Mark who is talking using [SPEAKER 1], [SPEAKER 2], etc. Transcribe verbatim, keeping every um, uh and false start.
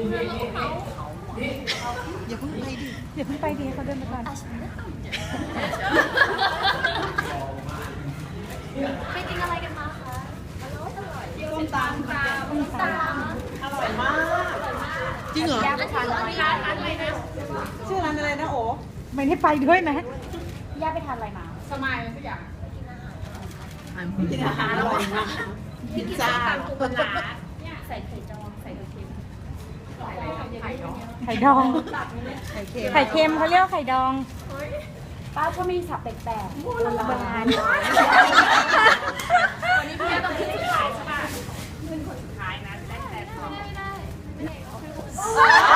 [SPEAKER 1] อย่าเพิ่งไปดิ
[SPEAKER 2] อย่าเพิ่งไปดีเขาเดินไปก่อน
[SPEAKER 3] ไปกินอะไรกันมาคะอร่อยอร่อยส้มตำค่ะส้มตำอร่อยมาก
[SPEAKER 1] จริงเหรอ
[SPEAKER 3] ย่าไปทานอะไรร้านอะไรนะ
[SPEAKER 1] ชื่อร้านอะไรนะโอ้
[SPEAKER 2] ไม่ได้ไปด้วยนะ
[SPEAKER 3] ย่าไปทานอะไรมาสมัยสักอย่าง
[SPEAKER 1] กินอาหารอร่อยมากพิซซ่า
[SPEAKER 3] ปลาใส่ไข่จองใส่ไข่เค็มใส่ไข่ดอง
[SPEAKER 2] ไข่ดอง
[SPEAKER 1] ไข่เค็ม
[SPEAKER 2] ไข่เค็มเขาเรียกว่าไข่ดอง
[SPEAKER 3] ป้าก็มีสับแปลกๆโบราณ
[SPEAKER 2] โบราณ
[SPEAKER 3] วันนี้พี่ต้องขึ้นสุดท้ายใช่ป่ะขึ้นคนสุดท้ายนะได้แต่ทองไม่ได้